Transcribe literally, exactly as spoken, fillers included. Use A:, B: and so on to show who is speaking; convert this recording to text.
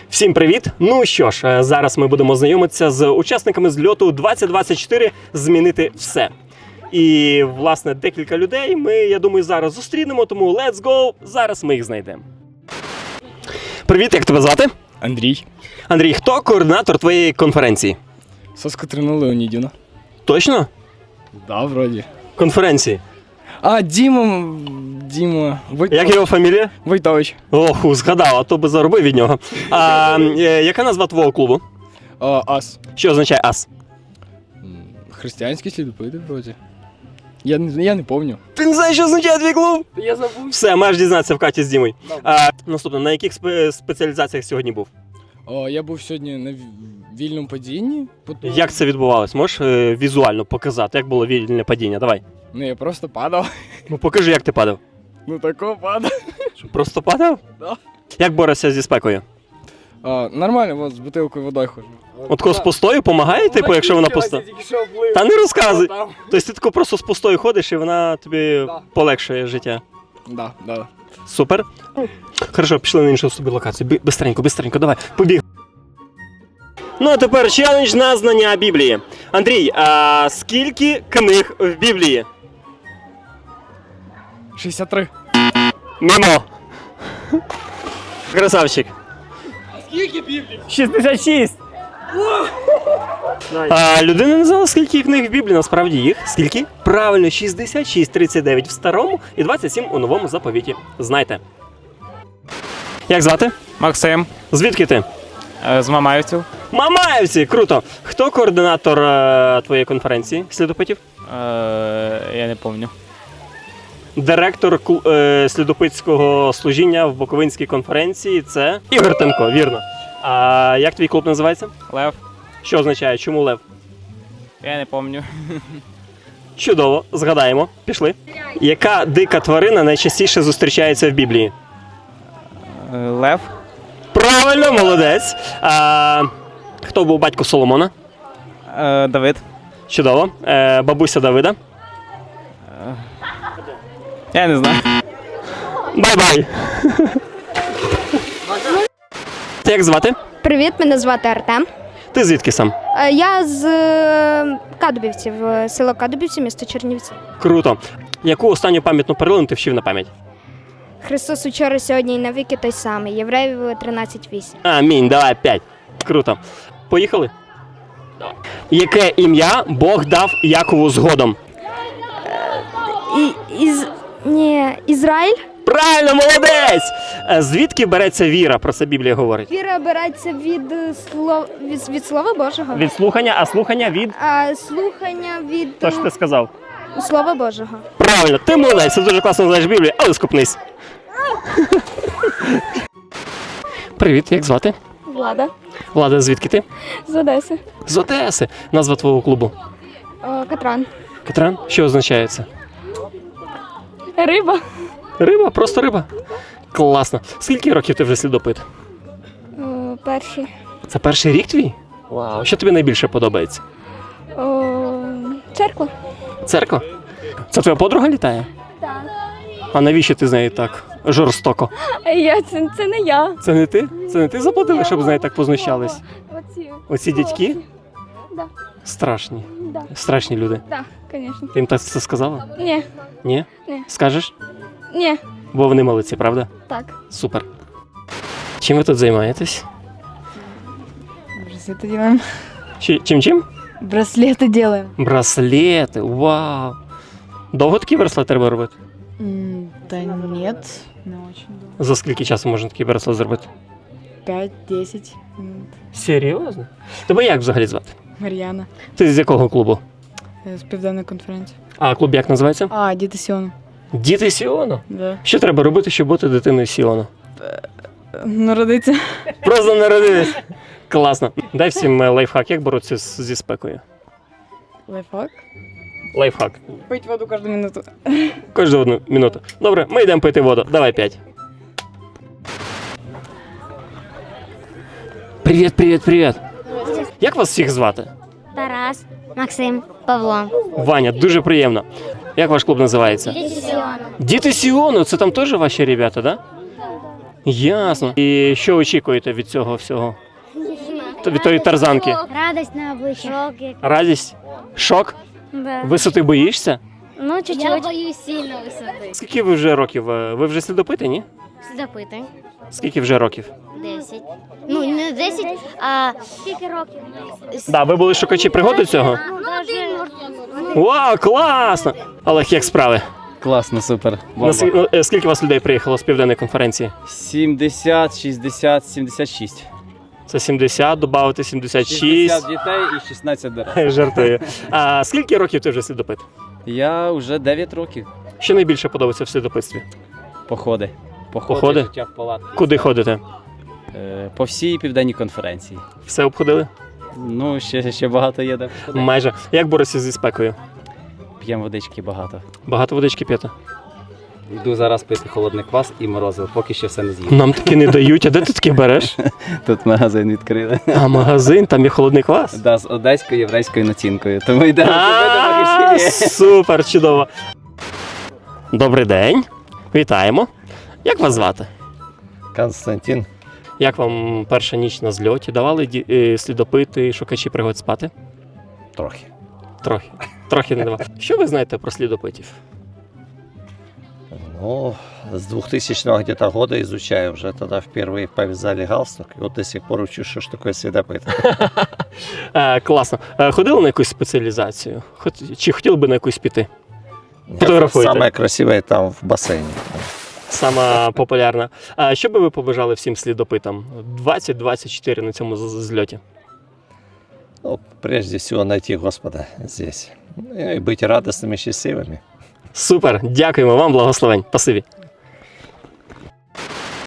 A: Всім привіт! Ну що ж, зараз ми будемо знайомитися з учасниками зльоту двадцять двадцять чотири «Змінити все». І, власне, декілька людей ми, я думаю, зараз зустрінемо, тому let's go, зараз ми їх знайдемо. Привіт, як тебе звати?
B: Андрій.
A: Андрій, хто координатор твоєї конференції?
B: Соска Катерина Леонідівна.
A: Точно?
B: Да, вроді.
A: Конференції.
B: А, Діма, Діма, Войтович.
A: Як його фамілія?
B: Войтович.
A: Ох, згадав, а то би заробив від нього. А, е, яка назва твого клубу?
B: А, ас.
A: Що означає ас?
B: Християнські слідопити, вроді. Я, не- я не пам'ятаю.
A: Ти не знаєш, що означає твій клуб?
B: Я забув.
A: Все, маєш дізнатися в Каті з Дімою. А, наступне, на яких спе- спеціалізаціях сьогодні був?
B: О, я був сьогодні на ві- вільному падінні. Потім...
A: Як це відбувалось? Можеш е, візуально показати, як було вільне падіння? Давай.
B: Ну, я просто падав.
A: Ну покажи, як ти падав.
B: Ну, тако падав.
A: Що, просто падав?
B: Да.
A: Як борешся зі спекою?
B: А, нормально, от з бутилкою водою ходжу.
A: От коли з пустою допомагає, типу, якщо вона пуста? Та не розказуй. Тобто ти тако просто з пустою ходиш і вона тобі
B: Да.
A: полегшує життя.
B: Да, да.
A: Супер. Хорошо, пішли на іншу собі локацію. Бі- Бистренько, бистренько, давай, побіг. Ну а тепер челендж на знання Біблії. Андрій, а скільки книг в Біблії?
B: шістдесят три.
A: Мимо. Красавчик.
B: Скільки Біблій?
A: шістдесят шість. А, людина не знала, скільки книг в Біблії, насправді їх. Скільки? Правильно, шістдесят шість, тридцять дев'ять в старому і двадцять сім у новому заповіті. Знайте. Як звати?
C: Максим,
A: Звідки ти?
C: е, з Мамаївців.
A: Мамаєвці, круто. Хто координатор е, твоєї конференції слідопитів?
C: Е, я не пам'ятаю.
A: Директор клу- е, слідопитського служіння в Буковинській конференції – це Ігор Тимко, вірно. А як твій клуб називається?
C: Лев.
A: Що означає? Чому лев?
C: Я не пам'ятаю.
A: Чудово, згадаємо. Пішли. Яка дика тварина найчастіше зустрічається в Біблії?
C: Е, Лев.
A: Правильно, молодець. А, хто був батько Соломона?
C: Е, Давид.
A: Чудово. Е, бабуся Давида?
C: Я не знаю.
A: Бай-бай. Як звати?
D: Привіт, мене звати Артем.
A: Ти звідки сам?
D: Е, Я з е, Кадубівців, е, село Кадубівці, місто Чернівці.
A: Круто. Яку останню пам'ятну перлину ти вчив на пам'ять?
D: Христос учора, сьогодні і навіки той самий. Євреїв тринадцять вісім.
A: Амінь, давай, п'ять. Круто. Поїхали? Яке ім'я Бог дав Якову згодом?
D: І, із... Ні, Ізраїль?
A: Правильно, молодець! Е, Звідки береться віра? Про це Біблія говорить.
D: Віра береться від, е, слов... від, від Слова Божого.
A: Від слухання, а слухання від...
D: А слухання від
A: То, що ти сказав.
D: е, Слова Божого.
A: Правильно, ти молодець, ти дуже класно знаєш Біблію, але скупнись. Привіт, як звати?
D: Влада.
A: Влада, звідки ти?
D: З Одеси.
A: З Одеси. Назва твого клубу?
D: О, Катран.
A: Катран? Що означає це?
D: Риба.
A: Риба, просто риба. Класно. Скільки років ти вже слідопит?
D: О, перший.
A: Це перший рік твій? Вау. Що тобі найбільше подобається?
D: О, церква.
A: Церква? Це твоя подруга літає?
D: Так.
A: А навіщо ти з нею так жорстоко?
D: Я, це, це не я.
A: Це не ти? Це не ти заплатила, щоб з нею так познущались?
D: Оці.
A: Оці дядьки?
D: Да.
A: Страшні.
D: Да.
A: Страшні люди.
D: Так, звісно.
A: Ти їм так це сказала?
D: Ні,
A: Ні?
D: Ні.
A: Скажеш?
D: ні,
A: Бо вони молодці, правда?
D: так.
A: Супер. Чим ви тут займаєтесь?
E: Браслеты делаем.
A: Чи- Чим чим?
E: Браслеты делаем.
A: Браслети, вау. Довго такі браслети треба робити?
E: М, Да нет, не очень долго.
A: За скільки часу можна такий браслет зробити?
E: пять-десять минут.
A: Серйозно? Тебе як взагалі звати?
E: Мар'яна.
A: Ти з якого клубу?
E: З південної конференції.
A: А клуб як називається?
E: А, діти Сіону.
A: Діти Сіону.
E: Да.
A: Що треба робити, щоб бути дитиною Сіону?
E: Народиться.
A: Просто народились. Класно. Дай всім е, лайфхак, як боротися з- зі спекою.
E: Лайфхак.
A: Лайфхак.
E: Пить воду кожну минуту.
A: Кожну одну минуту. Добре, ми йдемо пити воду. Давай п'ять. Привіт, привіт, привіт. Як вас всіх звати?
F: Тарас, Максим, Павло.
A: Ваня, дуже приємно. Як ваш клуб називається? Діти Сіону. Це там теж ваші ребята, да? Ясно. І що очікуєте від цього всього? Т- Від тої тарзанки?
F: Радость на обличчя.
A: Радість? Шок?
F: Да.
A: Висоти боїшся?
F: Ну, чуть-чуть. Я боюсь сильно висоти.
A: Скільки ви вже років? е, Ви вже слідопити, ні?
F: Слідопити.
A: Скільки вже років?
F: Десять. Ну, не десять, а... Скільки років?
A: Да, ви були шукачі пригоди цього?
F: Ну, один.
A: Вау, класно! Олег, як справи?
B: Класно, супер.
A: Наск- ну, е, Скільки вас людей приїхало з південної конференції?
B: сімдесят, шістдесят, сімдесят шість.
A: Це сімдесят, додати сімдесят шість.
B: шістдесят дітей і шістнадцять дорослих.
A: Жартую. А скільки років ти вже слідопит?
B: Я вже дев'ять років.
A: Що найбільше подобається в слідопитстві?
B: Походи.
A: Походи?
B: Життя в палатці.
A: Куди ходите?
B: Е, По всій південній конференції.
A: Все обходили?
B: Ну, ще, ще багато є де. походити.
A: Майже. Як борешся зі спекою?
B: П'ємо водички багато.
A: Багато водички п'єте?
B: Йду зараз пити холодний квас і морозиво, поки ще все не з'їв.
A: Нам таки не дають. А де ти таки береш?
B: Тут магазин відкрили.
A: А магазин, там є холодний квас?
B: Да, з одеською єврейською націнкою. Тому йдемо до
A: А,
B: магазині.
A: Супер, чудово. Добрий день. Вітаємо. Як вас звати?
G: Константин.
A: Як вам перша ніч на зльоті? Давали ді- е, слідопити, шукачі пригод спати?
G: Трохи.
A: Трохи. Трохи не давали. Що ви знаєте про слідопитів?
G: Ну, с двухтысячного где-то года изучаю. Уже тогда впервые повязали галстук. И вот до сих пор учу, что ж такое следопыт.
A: Е, класно. Е, ходили на якусь спеціалізацію? Хот- Чи хотіли би на якусь піти? Фотографуєте?
G: Самое красивое там в бассейне.
A: Сама популярна. А що би ви побажали всім слідопитам? двадцять двадцять чотири на цьому з- зльоті.
G: Ну, прежде всего найти Господа здесь. Ну, и быть радостными, счастливыми.
A: Супер, дякуємо вам, благословень. Спасибі.